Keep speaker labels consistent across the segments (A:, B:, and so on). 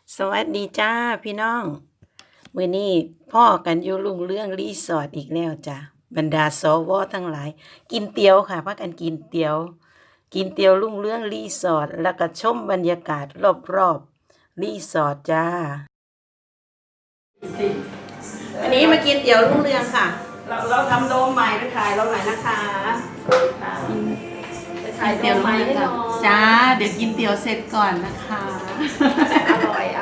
A: สวัสดีจ้าพี่น้องมื้อนี้พ่อกันอยู่รุ่งเรื่องรีสอร์ทอีกแล้วจ้ะบรรดาสวทั้งหลาย กินเตี๋ยวค่ะพากันกินเตี๋ยว กินเตี๋ยวรุ่งเรื่องรีสอร์ทแล้วก็ชมบรรยากาศรอบๆรีสอร์ทจ้าอันนี้มากินเตี๋ยวรุ่งเรืองค่ะเราทำโดมใหม่ไปขายเราหน่อยนะคะไปขายเตี๋ยวใหม่ให้หน่อยจ้าเดี๋ยวกินเตี๋ยวเสร็จก่อนนะคะอร่อย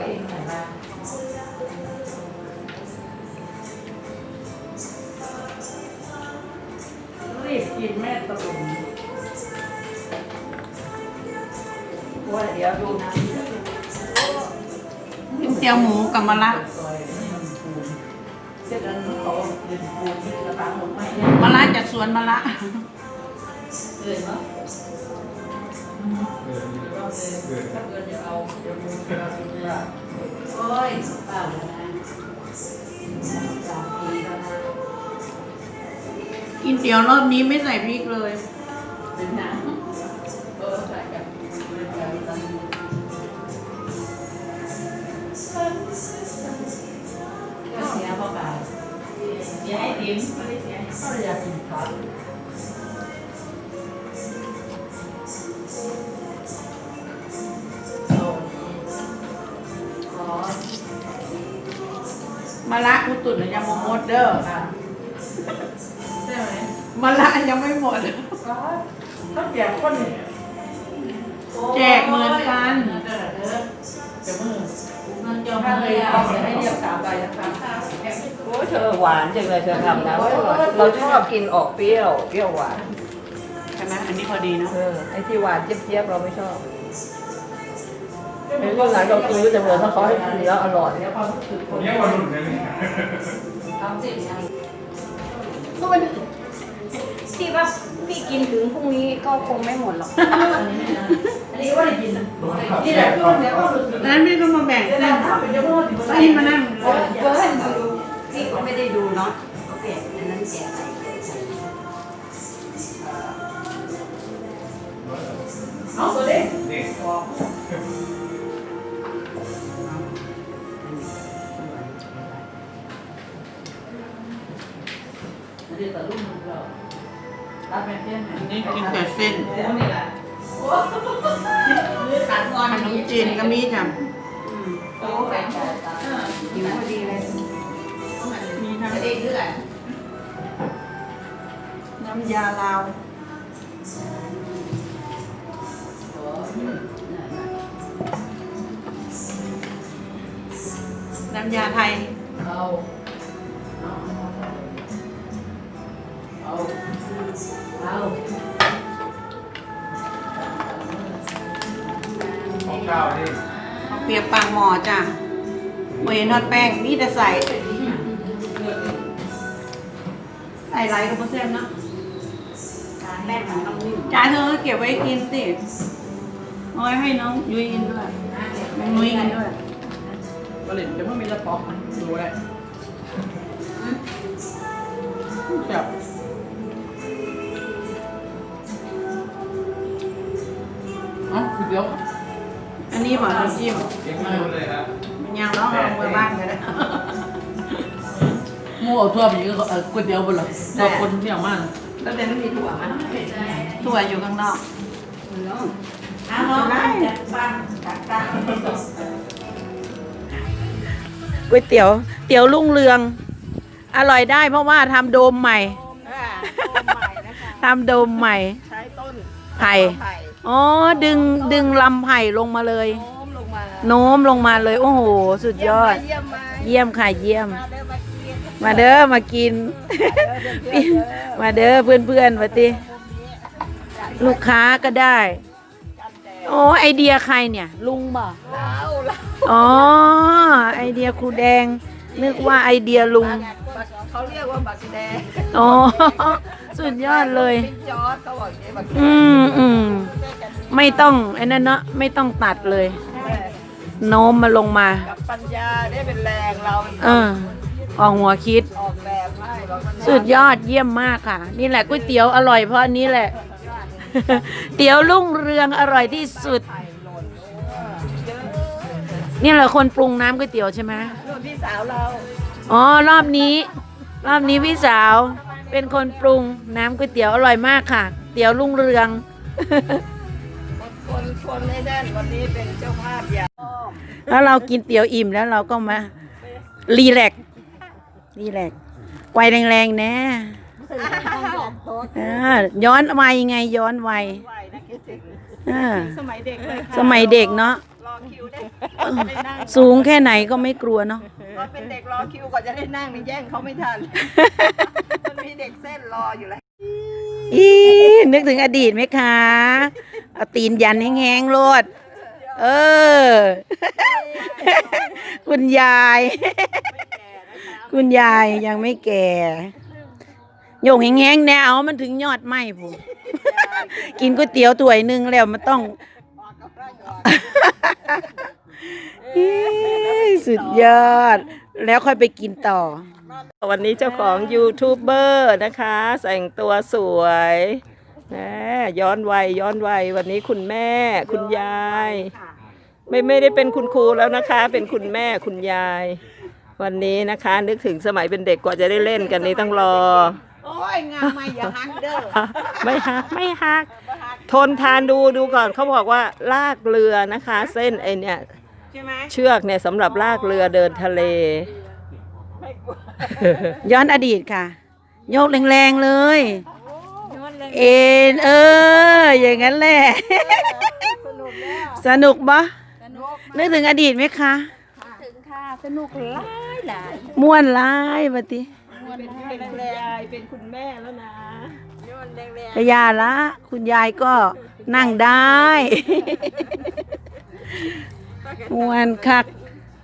B: รีบกินแม่ตะลุมว่าเดี๋ยวดูนะ
A: กินเตี๋ยวหมูกับมะระ
B: เสร็จแล้วเขาเดินปูที่กระตังหมดไหม
A: มะระจากสวนมะระ
B: เกินเนาะถ้าเกินจะเอาเดี๋ยวดูเราดูว่าโอ้ยเปล่าแล้วนะ3 ปีแล้วนะ
A: กินเตี๋ยวรอบนี้ไม่ใส่พริกเลย
B: เป็นน้ำใส่กันก็เสียเข้าไปเสียให้ติ๋มไม่ได้เสียก็เลยอยากกินข้าว
A: มะระอุตุนยังหมดเด้อ
B: ใช่ไหม
A: มะระยังไม่หมด
B: ถ้าแจกคนเนี่ย
A: แจกเหมือนกัน
B: จะมือมันจะให้เลยเอาเสียให้เรียก3 ใบนะคะโอ้เธอหวานจังเลยเธอทำนะเราชอบกินออกเปรี้ยวหวาน
A: ใช่ไหมอันนี้พอดีเนาะ
B: ไอ้ที่หวานเจี๊ยบเราไม่ชอบเป็นคนไหนเราซื้อจะเหมือนถ้าเขาให้กินแล้วอร่อยเนี่ยความรู้สึกคน
C: เนี่ยวันหลุดเลยนี่
D: ก็มันพี่ว่าพี่กินถึงพรุ่งนี้ก็คงไม่หมดหรอก
B: อันนี้ว่าได้กินนี่แหละคือเสียความรู้สึก
A: นั้นพี่ต้องมาแบ่ง
B: จะ
A: กั
B: ได้
A: น
B: ถามเป็นเจ้าพ่อที่
A: พี่มานั่ง
D: เบิร์นพี่ก็ไม่ได้ดูเนาะก็เปลี่ยนอันนั้นแจกไป
B: เอาตัวเล็ก
C: นี่
B: อันนี้แต่ลูกมันเรารับแม่เตี้ยน
A: อันนี้กินแต่เส้น
B: นี่แหละขาดงอน
A: ขนมจีนก็มีจ้ะ
B: โอ้แฟน
D: หิวพอดีเลย
A: มีทั้ง
B: เด็กด้วย
A: น้ำยาลาวน้ำยาไทย
B: เอาเอาเอา
C: ของข้าวนี่
A: เอาเปียกปางหมอจ้ะเวนทอดแป้งมีแต่ใส่ไรกับโปรเซมเนาะ
D: แม่ของน้องนิ่ม
A: จ่ายเธอก็เก็บไว้กินสิเอาไว้ให้น้องยุ้ยกินด้วยน้องนุ้ยกินด้วย
B: ผลิตจะไม่มีกระป๋องดูได้จับอ๋อเดี๋ยว
A: อันนี้บอกน้ำจิ้ม
C: เก็บไม่หมดเลยครับ
A: มันยังร้องเอามือบ้างกันนะ
B: หมูเอาทั่วไปก็ก๋วยเตี๋ยวบนหรอเราคนเที่ยวมาก
D: แล้วแต่ไม่มีถั่วมั้ย
A: ถั่วอยู่ข้างนอก
D: อ้าวน้องจัดบ้านจัดการ
A: ก๋วยเตี๋ยวเตี๋ยวรุ่งเรือง อร่อยได้เพราะว่าทำโดมใหม่
D: ใหม่นะคะ
A: ทำโดมใหม่
D: ใช้ต้น
A: ไผ่อ๋อดึงลำไผ่ลงมาเลย
D: โน้มลงมา
A: โน้มลงมาเลย โอ้โห สุดยอด
D: เยี่ยมมา
A: เยี่ยมค่ะเยี่ยม
D: มาเด้อมากิน
A: มาเด้อมากิน มาเด้อเพื่อนๆมาติลูกค้าก็ได้โอ้ไอเดียใครเนี่ย ลุงบ่อ๋อไอเดียครูแดง นึกว่าไอเดียลุง
D: เขาเรียกว่าบักแดง
A: อ๋อสุดยอดเลย
D: เป็นจอร์ดเขาบอกอย่างนี้บักแดง
A: อืมไม่ต้องไอ้นั่นเนาะไม่ต้องตัดเลย โน้มมาลงมา
D: กับปัญญาได้เป็นแรงเรา
A: เออออกหัวคิด
D: ออกแบบให้บอกมัน
A: สุดยอดเยี่ยมมากค่ะ นี่แหละก๋วยเตี๋ยวอร่อยเพราะอันนี้แหละ เตี๋ยวรุ่งเรืองอร่อยที่สุด
D: ไข่หล่น
A: นี่เหรอคนปรุงน้ำก๋วยเตี๋ยวใช่ไหม
B: รุ่นพี่สาวเรา
A: อ๋อรอบนี้พี่สาวเป็นคนปรุงน้ำก๋วยเตี๋ยวอร่อยมากค่ะ เตี๋ยวรุ่งเรือง
B: คนในด้านวันนี้เป็นเจ้าภาพใหญ่
A: แล้วเรากินเตี๋ยวอิ่มแล้วเราก็มารีแลกซ์ไกวแรงๆนะย้อนวัยไงย้อนวัย
B: ไหวนะคิดถึง
A: อ่า
B: สมัยเด็กเลยค่ะ
A: สมัยเด็กเนาะ
B: รอคิวได้ได้นั่ง
A: สูงแค่ไหนก็ไม่กลัวเนาะ
B: พอเป็นเด็กรอคิวกว่าจะได้นั่งนี่แย่งเขาไม่ทันมันมีเด็กเส้นรออยู่แล้ว
A: อีนึกถึงอดีตไหมคะเอาตีนยันแห้งๆโลดเออ คุณยาย คุณยายยังไม่แก่โยงแห้งๆแนวมันถึงยอดไหมผมกินก๋วยเตี๋ยวถ้วยหนึงแล้วมันต้อง อีสุดยอด แล้วค่อยไปกินต่อ
B: วันนี้เจ้าของยูทูบเบอร์นะคะแต่งตัวสวยนะย้อนวัยวันนี้คุณแม่คุณยายไม่ได้เป็นคุณครูแล้วนะคะ เป็นคุณแม่คุณยาย วันนี้นะคะ นึกถึงสมัยเป็นเด็กกว่าจะได้เล่นกันนี้ต้องรอ
A: โอ้ยงามไม่อย่าหักเด้อ
B: ไม่หักทนทานดูก่อนเขาบอกว่าลากเรือนะคะ เส้นไอเนี่ย
A: ใช่ไหม
B: เชือกเนี่ยสำหรับลากเรือเดินทะเล
A: ย้อนอดีตค่ะ โยกแรงๆเลย เอ็นอย่างนั้นแหละ สนุกปะนึกถึงอดีตไหมคะ
D: ถึงค่ะสนุกหลาย
A: ม่วนร้ายปฏิ
B: เป็นคุณยายเป็นคุณแม่แล้วนะ
A: กยาละ คุณยายก็นั่งได้ ม่วนคัก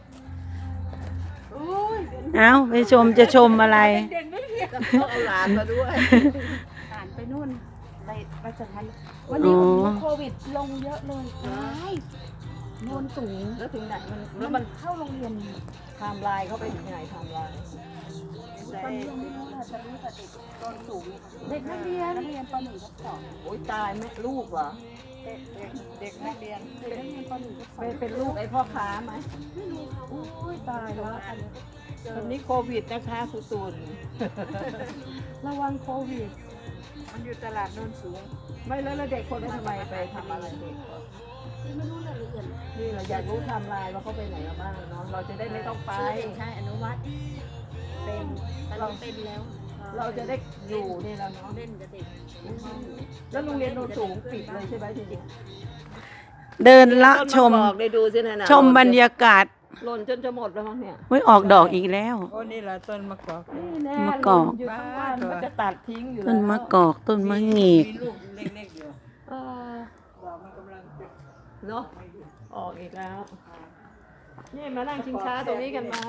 A: เอาไปจะชมอะไร
B: เอาหลานมาด้วย
D: ผ่านไปนู่นไปสถานวันนี้
A: อ๋อ
D: โควิดลงเยอะเลยโนนสูง
B: แล้วถึงไหนแล้วมันเข้าโรงเรียนไทม์ไลน์เข้าไปถึงไหนไทม์ไลน์
D: ตอนนี้ยังไม่รู้ว่าจะรู้แต่เด็กโนนสูงเด็กนักเรียนป .1 ป .2
B: โอ้ยตายแม่ลูกเหรอ
D: เด็กนักเรียนป .1 ป .2
B: เป็นลูกไอ้พ่อค้าไหม
D: ไม่รู้ค่ะโอ้ยตายแล้วอันนี้
B: ตอนนี้โควิดนะคะครูตุน
D: ระวังโควิด
B: มันอยู่ตลาดโนนสูง ไม่แล้วเด็กคนนั้นทำไมไปทำอะไรเด็กวะ
D: ไม่รู้รายละเอียด
B: นี่เราอยากรู้ไทม์ไลน์ว่าเขาไปไหนกันบ้างเนาะเราจะได้ไม่ต้องไป
D: ใช่อนุวัตเป็นแต่เราเป็นแล้ว
B: เราจะได้อยู่นี่แล้วเนาะ
D: เล่นกับเด็ก
B: แล้วโรงเรียนโนนสูงปิดเลยใช่ไหมทีนี้
A: เดินละชม
B: บอกได้ดูสินะนะ
A: ชมบรรยากาศ
B: หล่นจนจะหมดแล้วมั้งเนี่ย
A: ไว้ออกดอกอีกแล้ว
C: โอ้นี่แหละต้นมะกอก
B: นี่แน่
A: มะกอก
B: อยู่ทั้งวันมันจะตัดทิ้งอยู่
A: ต้นมะกอกต้นมะเงก
C: มีลูกเล็กๆอยู่
B: เออ
C: ดอกมันกำลังจะ
B: เนาะออกอีกแล้ว นี่มานั่งชิงช้าตรงนี้กันไหม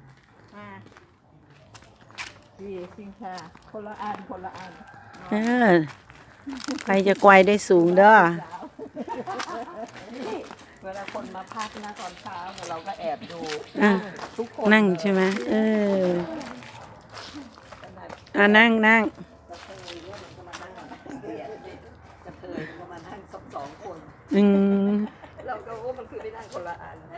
B: ดีชิงช้าคนละอัน
A: เออไปจะไกวได้สูงเด้อ
B: เวลาคนมาพักนะตอนเช้าเนี่ยเราก็แอบดู
A: อ่ะ
B: ทุกคน
A: นั่งใช่ไหมนั่ง
B: กระเทยก็มานั่งสองคน
A: อืม
B: เราก็ว่ามันคือไปนั่งคนละอัน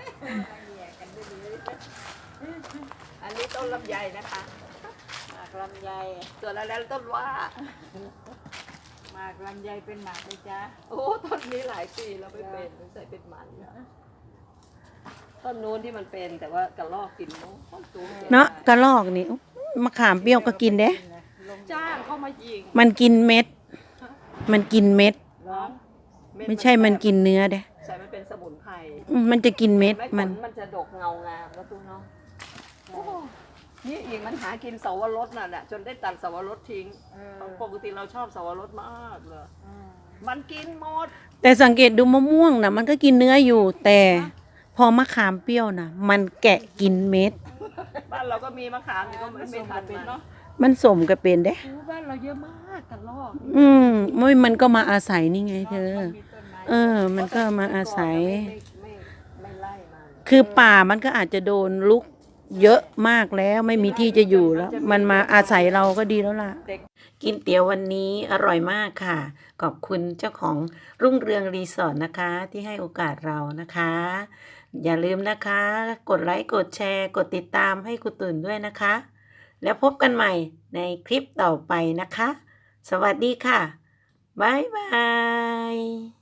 B: อันนี้ต้นลำไยนะคะหมากลำไยส่วนแล้วต้นว่าหมากลำไยเป็นหมากเลยจ้าโอ้ต้นนี้หลายปีแล้วไม่เป็นใส่เป็นมันต้นนู้นที่มันเป็นแต่ว่ากระลอกกินเนาะต้นสูง
A: เนาะกระลอกนี่มะขามเปรี้ยวก็กินเด้
B: จ้างเข้ามายิง
A: มันกินเม็ด มันกินเม็ด
B: ร้อง
A: ไม่ใช่มันกินเนื้อเด้
B: ใส่มันเป็นสมุนไพร
A: มันจะกินเม็ด
B: ไม่ผ
A: มัน
B: ลมันจะดกเงางามแล้วตู้เนาะนี่อีกมันหากินเสาวรสน่ะจนได้ตัดเสาวรสทิ้งปกติเราชอบเสาวรสมากเลยมันกินหมด
A: แต่สังเกตดูมะม่วงนะมันก็กินเนื้ออยู่ แต่พอมะขามเปรี้ยวนะมันแกะกินเม็ด
B: บ้านเราก็มีมะขามอยู่ก็ไม่ทันมันเนาะ
A: มันสมกับเป็นเด้
B: บ้านเราเยอะมากกระลอก
A: มันก็มาอาศัยนี่ไงเธอ มันก็มาอาศัย
B: ไม่ไล่มัน
A: คือป่ามันก็อาจจะโดนลุกเยอะมากแล้วไม่มีที่จะอยู่แล้ว มันมาอาศัยเราก็ดีแล้วล่ะ กินเตี๋ยววันนี้อร่อยมากค่ะ ขอบคุณเจ้าของรุ่งเรืองรีสอร์ทนะคะ ที่ให้โอกาสเรานะคะอย่าลืมนะคะ กดไลค์กดแชร์กดติดตามให้ครูตุ่นด้วยนะคะ แล้วพบกันใหม่ในคลิปต่อไปนะคะ สวัสดีค่ะ บ๊ายบาย